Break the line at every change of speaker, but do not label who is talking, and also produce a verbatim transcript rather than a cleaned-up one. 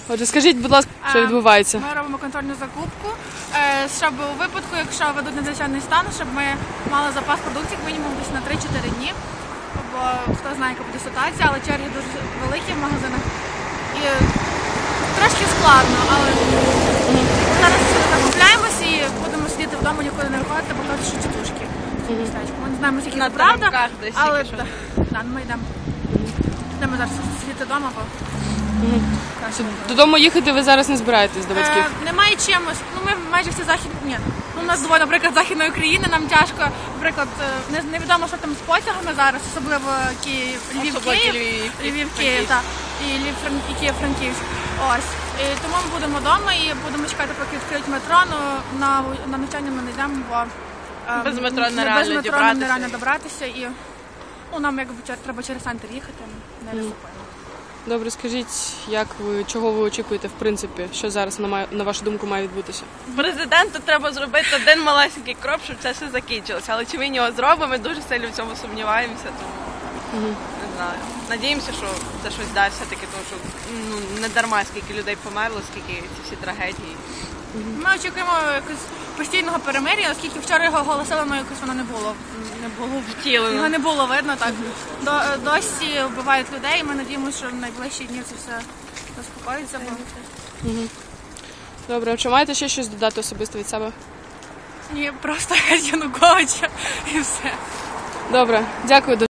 Отже, скажіть, будь ласка, що відбувається?
Ми робимо контрольну закупку, щоб у випадку, якщо ведуть надзвичайний стан, щоб ми мали запас продуктів мінімум десь на три-чотири дні. Бо хто знає, яка буде ситуація, але черги дуже великі в магазинах. І трошки складно, але зараз закупляємось і будемо сидіти вдома, нікуди не виходити, бо кажуть, що тітушки в містечку. Ми не знаємо, скільки це правда, але да, ми йдемо. Йдемо зараз сидіти вдома, бо
додому їхати ви зараз не збираєтесь до батьків?
Е, немає чимось. Ну, ми майже всі західні. Ні. Ну, у нас двоє, наприклад, Західної України, нам тяжко, наприклад, не, невідомо, що там з потягами зараз, особливо Київ, Львів, Київ,
Львів,
Львів, Київ, так, і Львів, і Київ, Франківськ. Ось. І тому ми будемо вдома і будемо чекати, поки відкриють метро, ну, на, на навчання ми не йдемо, бо е,
без метро
не
нереально
без метро
добратися.
нереально добратися, і ну, нам якби треба через центр їхати, не розсупаємо.
Добре, скажіть, як ви, чого ви очікуєте, в принципі, що зараз, на, має, на вашу думку, має відбутися?
Президенту треба зробити один малесенький крок, щоб це все закінчилося. Але чи він його зробить, ми дуже сильно в цьому сумніваємося, тому угу. не знаю. Надіємося, що це щось дасть все-таки, тому що ну, не дарма, скільки людей померло, скільки ці всі трагедії.
Ми очікуємо якось постійного перемир'я, оскільки вчора його оголосили, але якось воно не було, не було
втілено.
Його не було видно, так. До, досі вбивають людей, і ми надіємося, що в найближчі дні це все заспокоїться. Бо...
Угу. Добре, а чи маєте ще щось додати особисто від себе?
Ні, просто Януковича і все.
Добре, дякую.